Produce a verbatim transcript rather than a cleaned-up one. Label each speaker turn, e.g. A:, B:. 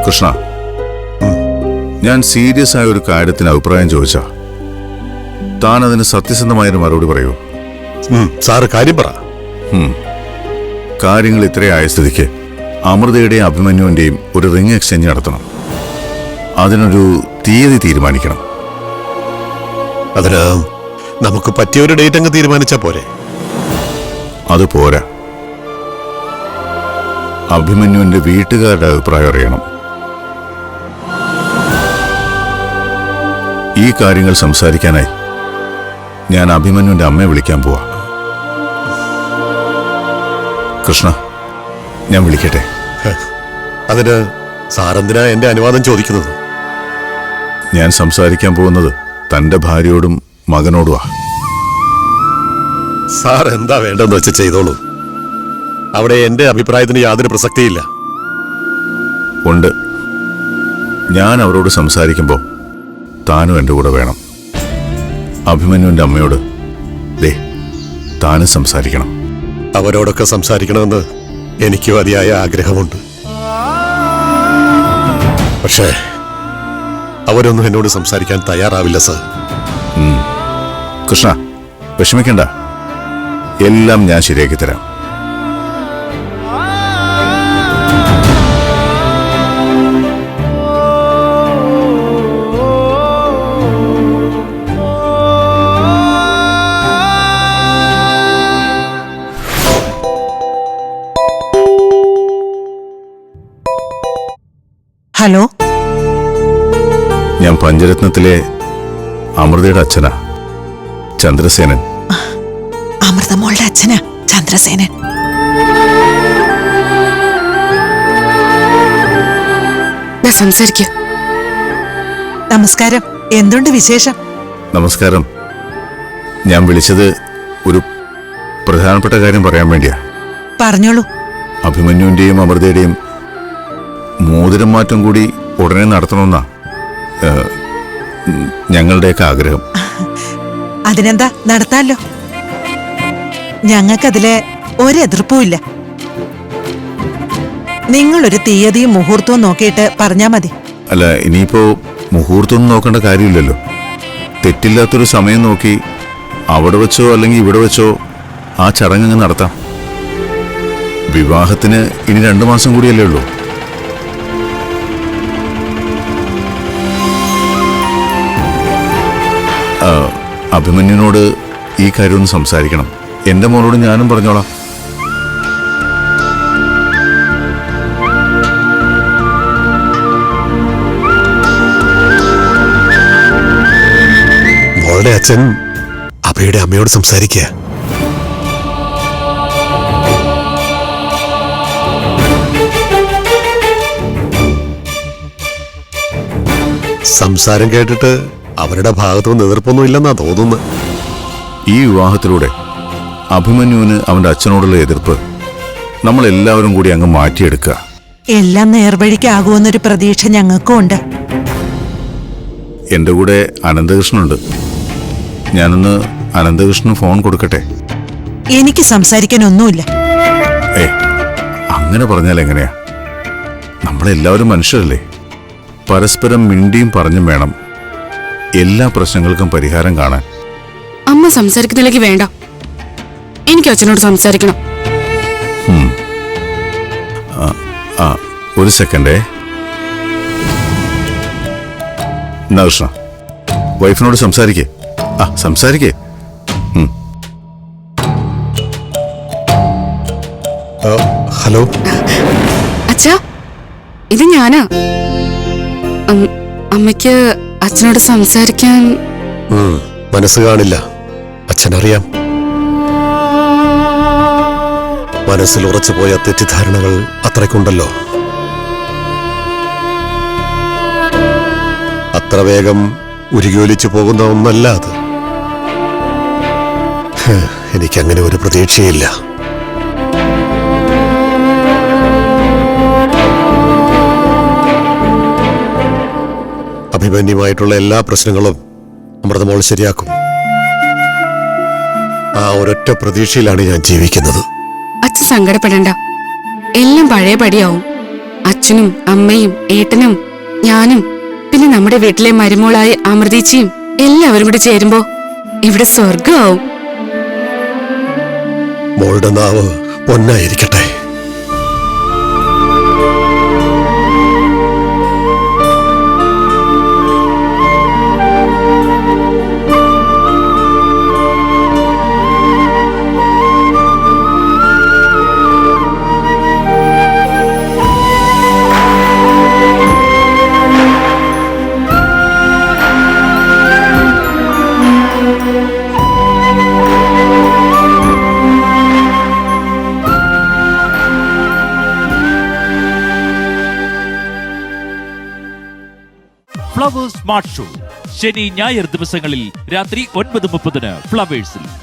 A: കൃഷ്ണ, ഞാൻ സീരിയസ് ആയ ഒരു കാര്യത്തിന് അഭിപ്രായം ചോദിച്ചാ താൻ അതിന് സത്യസന്ധമായൊരു മറുപടി പറയൂ.
B: സാറ് കാര്യം പറ.
A: കാര്യങ്ങൾ ഇത്രയായ സ്ഥിതിക്ക് അമൃതയുടെയും അഭിമന്യുവിന്റെയും ഒരു റിംഗ് എക്സ്ചേഞ്ച് നടത്തണം. അതിനൊരു തീയതി തീരുമാനിക്കണം.
B: അതിന് നമുക്ക് പറ്റിയ ഒരു ഡേറ്റ് അങ്ങ് തീരുമാനിച്ചാ പോരെ?
A: അത് പോരാ, അഭിമന്യുവിന്റെ വീട്ടുകാരുടെ അഭിപ്രായം അറിയണം. ഈ കാര്യങ്ങൾ സംസാരിക്കാനായി ഞാൻ അഭിമന്യുവിന്റെ അമ്മയെ വിളിക്കാൻ പോവാ. കൃഷ്ണ, ഞാൻ വിളിക്കട്ടെ?
B: അതിന് സാറെന്തിനാ എന്റെ അനുവാദം ചോദിക്കുന്നത്?
A: ഞാൻ സംസാരിക്കാൻ പോകുന്നത് തന്റെ ഭാര്യയോടും മകനോടുവാ.
B: സാർ എന്താ വേണ്ടെന്ന് വെച്ച് ചെയ്തോളൂ. അവിടെ എന്റെ അഭിപ്രായത്തിന് യാതൊരു പ്രസക്തിയില്ല.
A: ഉണ്ട്. ഞാൻ അവരോട് സംസാരിക്കുമ്പോൾ താനും എൻ്റെ കൂടെ വേണം. അഭിമന്യുവിന്റെ അമ്മയോട് ദേ താനും സംസാരിക്കണം.
B: അവരോടൊക്കെ സംസാരിക്കണമെന്ന് എനിക്ക് അതിയായ ആഗ്രഹമുണ്ട്. പക്ഷേ അവരൊന്നും എന്നോട് സംസാരിക്കാൻ തയ്യാറാവില്ല സർ.
A: കൃഷ്ണ, വിഷമിക്കണ്ട, എല്ലാം ഞാൻ ശരിയാക്കി തരാം.
C: ഹലോ,
A: ഞാൻ പഞ്ചരത്നത്തിലെ അമൃതയുടെ അച്ഛനാ, ചന്ദ്രസേനൻ.
C: അമൃതമോളുടെ അച്ഛനാ ചന്ദ്രസേനൻ.
D: സംസാരിക്കൂ.
C: നമസ്കാരം. എന്തുണ്ട് വിശേഷം?
A: നമസ്കാരം. ഞാൻ വിളിച്ചത് ഒരു പ്രധാനപ്പെട്ട കാര്യം പറയാൻ വേണ്ടിയാ.
C: പറഞ്ഞോളൂ.
A: അഭിമന്യുവിന്റെയും അമൃതയുടെയും മോതിരം മാറ്റം കൂടി ഉടനെ നടത്തണമെന്നാ ഞങ്ങളുടെയൊക്കെ ആഗ്രഹം.
C: അതിനെന്താ, നടത്താലോ. ഞങ്ങൾക്കതില് ഒരെതിർപ്പുമില്ല. നിങ്ങളൊരു തീയതിയും മുഹൂർത്തവും നോക്കിയിട്ട് പറഞ്ഞാ മതി.
A: അല്ല, ഇനിയിപ്പോ മുഹൂർത്തമൊന്നും നോക്കേണ്ട കാര്യമില്ലല്ലോ. തെറ്റില്ലാത്തൊരു സമയം നോക്കി അവിടെ വെച്ചോ അല്ലെങ്കിൽ ഇവിടെ വെച്ചോ ആ ചടങ്ങ് നടത്താം. വിവാഹത്തിന് ഇനി രണ്ടു മാസം കൂടിയല്ലേ ഉള്ളൂ. അഭിമന്യുവിനോട് ഈ കാര്യം ഒന്ന് സംസാരിക്കണം. എന്റെ മോനോട് ഞാനും പറഞ്ഞോളാം.
B: മോളുടെ അച്ഛൻ അഭയുടെ അമ്മയോട് സംസാരിക്കുക. സംസാരം കേട്ടിട്ട് അവരുടെ ഭാഗത്തുനിന്ന് എതിർപ്പൊന്നും ഇല്ലെന്നാ തോന്നുന്നു.
A: ഈ വിവാഹത്തിലൂടെ അഭിമന്യുവിന് അവന്റെ അച്ഛനോടുള്ള എതിർപ്പ് നമ്മൾ എല്ലാവരും കൂടി അങ്ങ് മാറ്റിയെടുക്കുക.
C: എല്ലാം നേർവഴിക്കാകുമെന്നൊരു പ്രതീക്ഷ ഞങ്ങൾക്കും ഉണ്ട്.
A: എന്റെ കൂടെ അനന്തകൃഷ്ണനുണ്ട്. ഞാനൊന്ന് അനന്തകൃഷ്ണന് ഫോൺ കൊടുക്കട്ടെ?
C: എനിക്ക് സംസാരിക്കാനൊന്നുമില്ല.
A: ഏ, അങ്ങനെ പറഞ്ഞാൽ എങ്ങനെയാ? നമ്മളെല്ലാവരും മനുഷ്യരല്ലേ. പരസ്പരം മിണ്ടിയും പറഞ്ഞും വേണം എല്ലാ പ്രശ്നങ്ങൾക്കും പരിഹാരം കാണാൻ.
D: അമ്മ സംസാരിക്കുന്നില്ലെങ്കിൽ വേണ്ട, എനിക്ക് അച്ഛനോട് സംസാരിക്കണം.
A: ആ, ഒരു സെക്കൻഡേ. എന്നാ കൃഷ്ണ, വൈഫിനോട് സംസാരിക്കേ. ആ, സംസാരിക്കേ.
B: ഹലോ
D: അച്ഛാ, ഇത് ഞാനാ. അമ്മയ്ക്ക് അച്ഛനോട് സംസാരിക്കാൻ
B: മനസ്സ് കാണില്ല, അച്ഛനറിയാം. മനസ്സിൽ ഉറച്ചുപോയ തെറ്റിദ്ധാരണകൾ അത്രയ്ക്കുണ്ടല്ലോ. അത്ര വേഗം ഉരുകിയൊലിച്ചു പോകുന്ന ഒന്നല്ല അത്. എനിക്കങ്ങനെ ഒരു പ്രതീക്ഷയില്ല. അഭിമന്യുമായിട്ടുള്ള എല്ലാ പ്രശ്നങ്ങളും അമൃതമോൾ ശരിയാക്കും. ആ ഒരൊറ്റ പ്രതീക്ഷയിലാണ് ഞാൻ ജീവിക്കുന്നത്.
D: അച്ഛൻ സങ്കടപ്പെടണ്ട, എല്ലാം പഴയ പടിയാവും. അച്ഛനും അമ്മയും ഏട്ടനും ഞാനും പിന്നെ നമ്മുടെ വീട്ടിലെ മരുമോളായ അമൃതീച്ചിയും എല്ലാവരും കൂടി ചേരുമ്പോ ഇവിടെ സ്വർഗമാവും.
B: മോളുടെ നാവ് പൊന്നായിരിക്കട്ടെ.
E: ഫ്ലവേഴ്സ് സ്മാർട്ട് ഷോ ശനി ഞായർ ദിവസങ്ങളിൽ രാത്രി ഒൻപത് മുപ്പതിന് ഫ്ലവേഴ്സിൽ.